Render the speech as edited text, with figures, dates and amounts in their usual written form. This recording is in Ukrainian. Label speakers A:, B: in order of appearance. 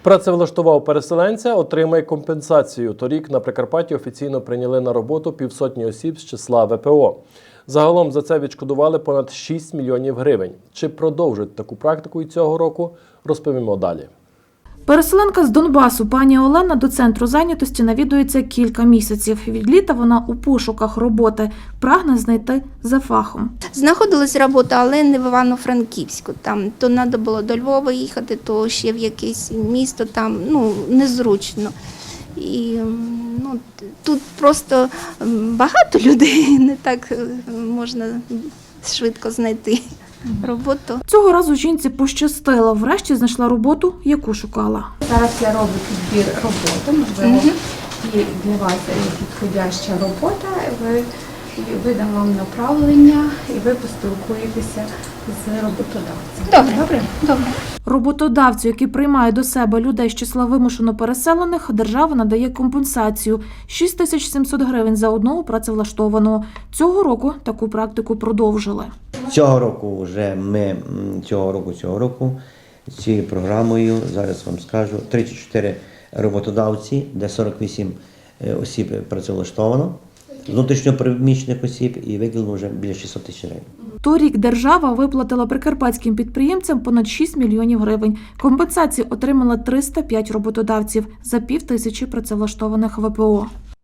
A: Працевлаштував переселенця, отримає компенсацію. Торік на Прикарпатті офіційно прийняли на роботу півсотні осіб з числа ВПО. Загалом за це відшкодували понад 6 мільйонів гривень. Чи продовжать таку практику і цього року, розповімо далі.
B: Переселенка з Донбасу пані Олена до центру зайнятості навідується кілька місяців. Від літа вона у пошуках роботи, прагне знайти за фахом.
C: Знаходилась робота, але не в Івано-Франківську. Там то треба було до Львова їхати, то ще в якесь місто, там незручно. І тут просто багато людей, не так можна швидко знайти роботу.
B: Цього разу жінці пощастило. Врешті знайшла роботу, яку шукала.
D: Зараз я роблю підбір роботи, можливо, і для вас є підходяща робота. Видам вам направлення і ви поспілкуєтеся з роботодавцем.
C: Добре.
B: Роботодавцю, який приймає до себе людей з числа вимушено переселених, держава надає компенсацію – 6700 гривень за одного працевлаштованого. Цього року таку практику продовжили.
E: Цього року цією програмою, зараз вам скажу, 34 роботодавці, де 48 осіб працевлаштовано, внутрішньопереміщених осіб, і виділено вже біля 600 тисяч гривень.
B: Торік держава виплатила прикарпатським підприємцям понад 6 мільйонів гривень. Компенсації отримали 305 роботодавців за 5000 працевлаштованих ВПО.